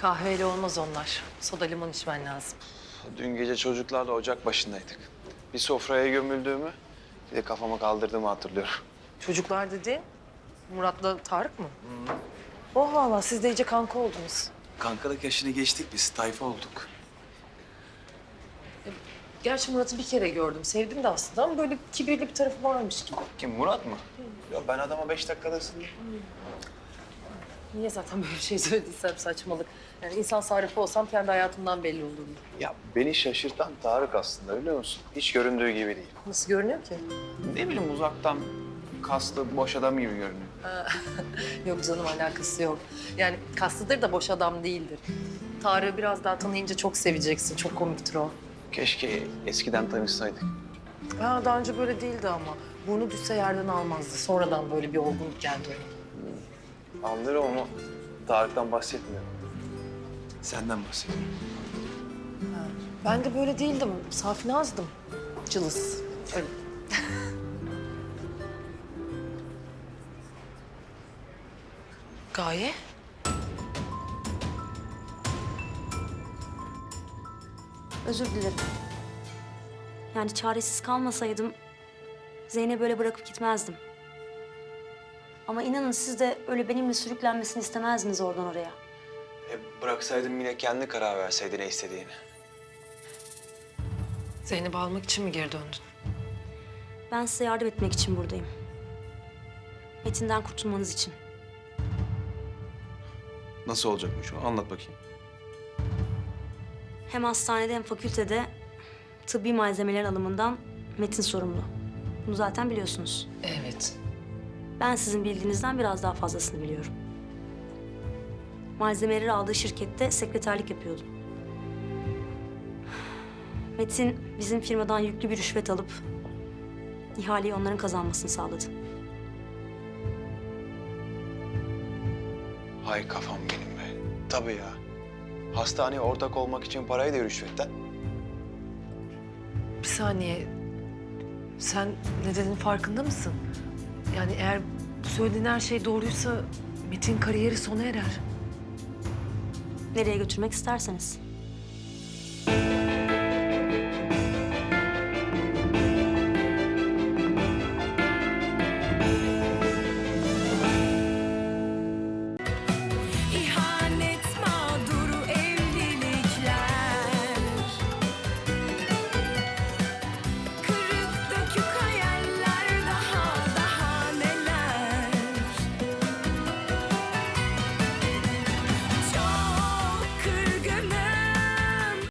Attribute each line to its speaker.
Speaker 1: Kahveyle olmaz onlar. Soda limon içmen lazım.
Speaker 2: Dün gece çocuklarla ocak başındaydık. Bir sofraya gömüldüğümü, bir de kafama kaldırdığımı hatırlıyorum.
Speaker 1: Çocuklar dediğin Murat'la Tarık mı? Oh valla siz de iyice kanka oldunuz.
Speaker 2: Kankalık yaşını geçtik biz, tayfa olduk.
Speaker 1: Gerçi Murat'ı bir kere gördüm. Sevdim de aslında ama böyle kibirli bir tarafı varmış gibi.
Speaker 2: Kim, Murat mı? Ya ben adama 5 dakikada ısındım.
Speaker 1: Niye zaten böyle bir şey söylediysem saçmalık. Yani insan sarrafı olsam kendi hayatımdan belli olurdu.
Speaker 2: Ya beni şaşırtan Tarık aslında, biliyor musun? Hiç göründüğü gibi değil.
Speaker 1: Nasıl görünüyor ki?
Speaker 2: Ne bileyim, uzaktan kaslı, boş adam gibi görünüyor.
Speaker 1: Yok canım alakası yok. Yani kaslıdır da boş adam değildir. Tarık'ı biraz daha tanıyınca çok seveceksin. Çok komiktir o.
Speaker 2: Keşke eskiden tanışsaydık.
Speaker 1: Ha, daha önce böyle değildi ama. Burnu düşse yerden almazdı. Sonradan böyle bir olgunluk geldi ona.
Speaker 2: Anlarım ama Tarık'tan bahsetmiyorum. Senden bahsediyorum.
Speaker 1: Ben de böyle değildim. Safinazdım. Cılız. Öyle. Gaye?
Speaker 3: Özür dilerim. Yani çaresiz kalmasaydım Zeynep'i böyle bırakıp gitmezdim. Ama inanın siz de öyle benimle sürüklenmesini istemezdiniz oradan oraya.
Speaker 2: Bıraksaydım yine kendi karar verseydi ne istediğini.
Speaker 1: Zeynep'i almak için mi geri döndün?
Speaker 3: Ben size yardım etmek için buradayım. Metin'den kurtulmanız için.
Speaker 4: Nasıl olacakmış o? Anlat bakayım.
Speaker 3: Hem hastanede hem fakültede tıbbi malzemelerin alımından Metin sorumlu. Bunu zaten biliyorsunuz.
Speaker 1: Evet.
Speaker 3: Ben sizin bildiğinizden biraz daha fazlasını biliyorum. Malzemeleri aldığı şirkette sekreterlik yapıyordum. Metin bizim firmadan yüklü bir rüşvet alıp ihaleyi onların kazanmasını sağladı.
Speaker 2: Hay kafam benim be. Tabii ya. Hastaneye ortak olmak için parayı da rüşvetten.
Speaker 1: Bir saniye. Sen ne dediğinin farkında mısın? Yani eğer bu söylediğin her şey doğruysa Metin kariyeri sona erer.
Speaker 3: Nereye götürmek isterseniz.